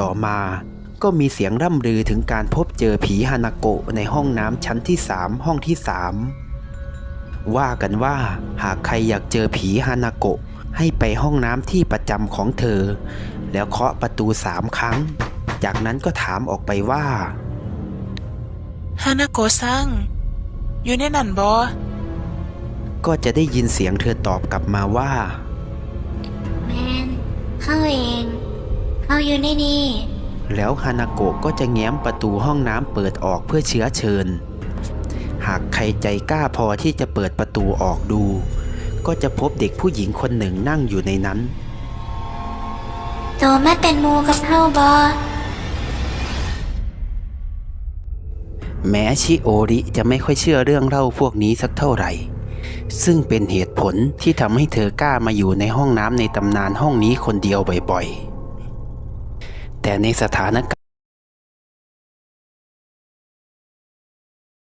ต่อมาก็มีเสียงร่ำลือถึงการพบเจอผีฮานาโกะในห้องน้ำชั้นที่3ห้องที่3ว่ากันว่าหากใครอยากเจอผีฮานาโกะให้ไปห้องน้ำที่ประจำของเธอแล้วเคาะประตู3 ครั้งจากนั้นก็ถามออกไปว่าฮานาโกะซังอยู่ในนั่นบ่ก็จะได้ยินเสียงเธอตอบกลับมาว่าแมนเข้าเองเข้าอยู่ในนี่แล้วฮานาโกะก็จะแง้มประตูห้องน้ำเปิดออกเพื่อเชื้อเชิญหากใครใจกล้าพอที่จะเปิดประตูออกดูก็จะพบเด็กผู้หญิงคนหนึ่งนั่งอยู่ในนั้นโตมาเป็นหมูกับเฮาบ่แม้ชิโอริจะไม่ค่อยเชื่อเรื่องเล่าพวกนี้สักเท่าไหร่ซึ่งเป็นเหตุผลที่ทำให้เธอกล้ามาอยู่ในห้องน้ำในตำนานห้องนี้คนเดียวบ่อยๆแต่ในสถานการณ์